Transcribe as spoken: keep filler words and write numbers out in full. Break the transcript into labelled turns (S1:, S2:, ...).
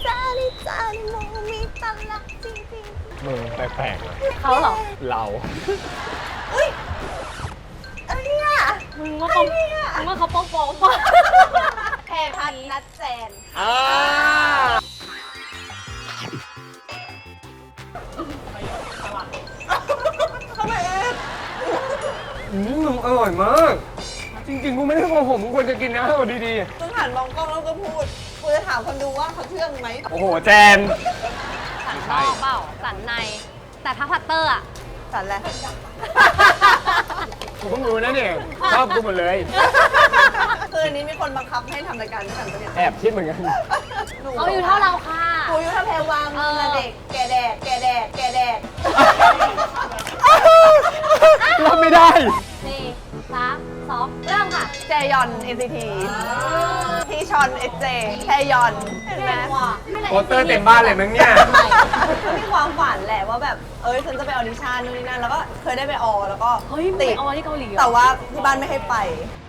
S1: จาริจาริโมมีตันลักจริงๆ
S2: มึงแปลกๆเลย
S1: เขาเหรอ
S2: เรา
S1: อุ้ยอะไรเนี่ย
S3: มึงว่าเขามึงว่าเขาโป๊ะโป๊ะป่ะ
S1: แพรพัดนัดแจน
S2: อ่า
S1: เข้าไปเอง
S2: อืมมึงอร่อยมาก จริงๆ กูไม่ได้โกหกมึงควรจะกินนะเอาดี
S1: มึงหันมองกล้องแล้วก็พูดกูจะถามคนดูว่าเขาเชื่อมึงไหม
S2: ๆ โอ้โห แจน
S3: สันนอกเปล่าสันใน แต่ถ้าพัตเตอร์อะ
S1: สันแหละ
S2: กูเพิ่งรู้นะเนี่ย ชอบกูหมดเลย
S1: คืนนี้มีคนบังคับให้ทำรายการด้วยกันปะเนี่ย
S2: แอบคิดเหมือนกัน
S1: หนู
S3: เขาอยู่เท่าเราค่ะ
S1: กูอายู่เท่าแพรวางมึงอะเด็ก แกแดก แกแดก แกแดก
S2: รับไม่ได้
S3: สี่สามสองเริ่มค่ะ
S1: แจยอน เอ็น ซี ที พี่ชอน เอส เจ แพรยอน เห็นไหม
S2: โปสเตอร์เต็มบ้านเลยมั้งเนี่ย
S1: ก็มีความฝันแหละว่าแบบ เอ้ยฉันจะไปออดิชั่นนู่นนี่นั่น แล้วก็เคยได้ไปออแล้วก็
S3: เฮ้ย
S1: ติ
S3: ไป
S1: ด
S3: ออที่เกาหลีเหรอ
S1: แต่ว่าที่บ้านไม่ให้ไป